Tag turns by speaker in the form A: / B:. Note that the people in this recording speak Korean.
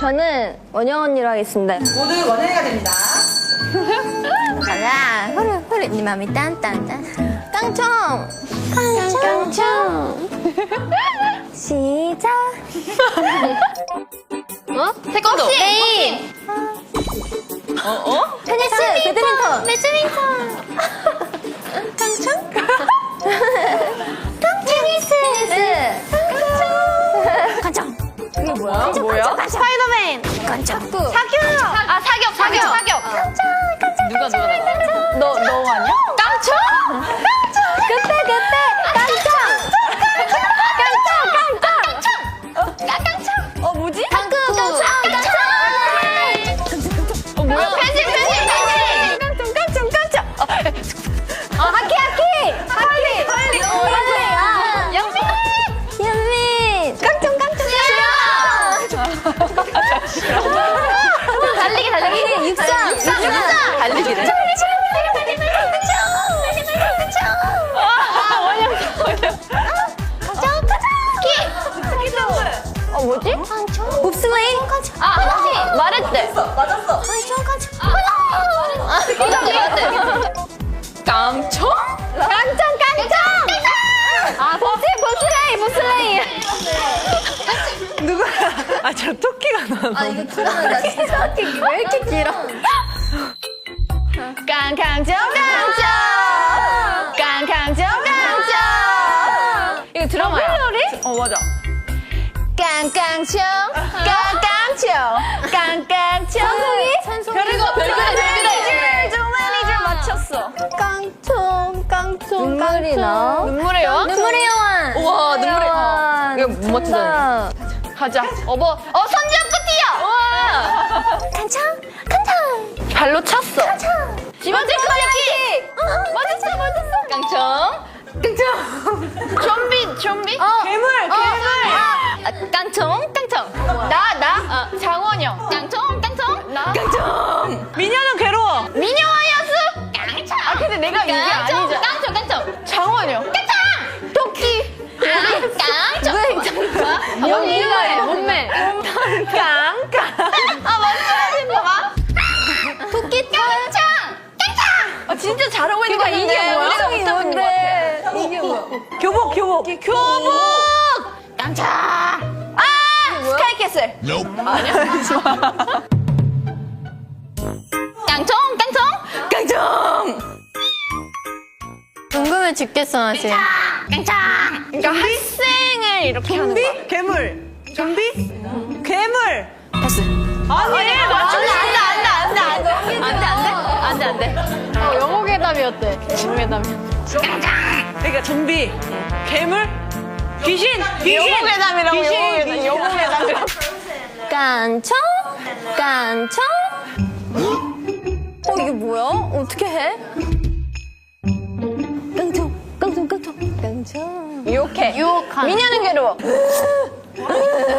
A: 저는 원영 언니로 하겠습니다.
B: 모두 원영이가 됩니다.
A: 가자. 후루 네 맘이 딴딴딴. 깡총. 깡총. 시작.
C: 태권도.
A: 게임. 테니스. 배드민턴. 깡총. 테니스. 깡총. 이게 뭐야? 스파이더맨. 깡총.
C: 사격. 누가. 너 아니야? 깡총?
A: 그때 깡총.
C: 뭐지?
A: 당근.
C: 뭐야? 펜싱.
A: 하키.
C: 빨리.
A: 연민. 깡총. 달리기. 육상.
C: 달리기를. 뭐지?
A: 봅슬레이.
C: 말했대.
B: 맞았어.
C: 말했대. 깡총?
A: 봅슬레이.
B: 누구야? 저 토끼가 나와.
A: 이거 들으면 나 진짜 왜 이렇게 길어?
C: 깡깡총. 이거 드라마야. 맞아. 깡깡총. 별그래. 좀 맞췄어.
A: 깡총. 눈물이 나.
C: 눈물의 여왕?
A: 눈물의 여왕.
C: 우와, 눈물의
A: 여왕.
C: 이거 못 맞추잖아. 가자. 선지압 끝이야. 와.
A: 깡총.
C: 발로 찼어. 집어질 클릭. 맞았어. 깡총. 좀비.
B: 괴물.
C: 깡총. 나. 장원영. 깡총.
B: 미녀는 괴로워.
C: 미녀와야수. 깡총. 근데 내가 이게 아니잖아. 깡총. 장원영. 토끼. 깡총. 연기가 해. 몸매. 맞춰야겠다. 토끼. 깡총. 진짜 잘하고 있는 거
A: 이게
C: 같은데.
A: 뭐야?
C: 우리가 못 잡은 거 같아.
A: 이게 뭐야?
B: 교복.
C: 깡총. 스카이캐슬. 깡총.
A: 궁금해 죽겠어 나 지금.
C: 그러니까 학생을 이렇게 하는 거야.
B: 괴물. 좀비? 괴물.
C: 패스.
B: 아니, 맞추면
C: 안 돼.
A: 영어 괴담이었대.
B: 그러니까 좀비, 괴물, 귀신.
C: 영어 괴담이라고.
A: 깡총. 이게 뭐야? 어떻게 해? 깡총.
C: 유혹해. 미녀는 괴로워.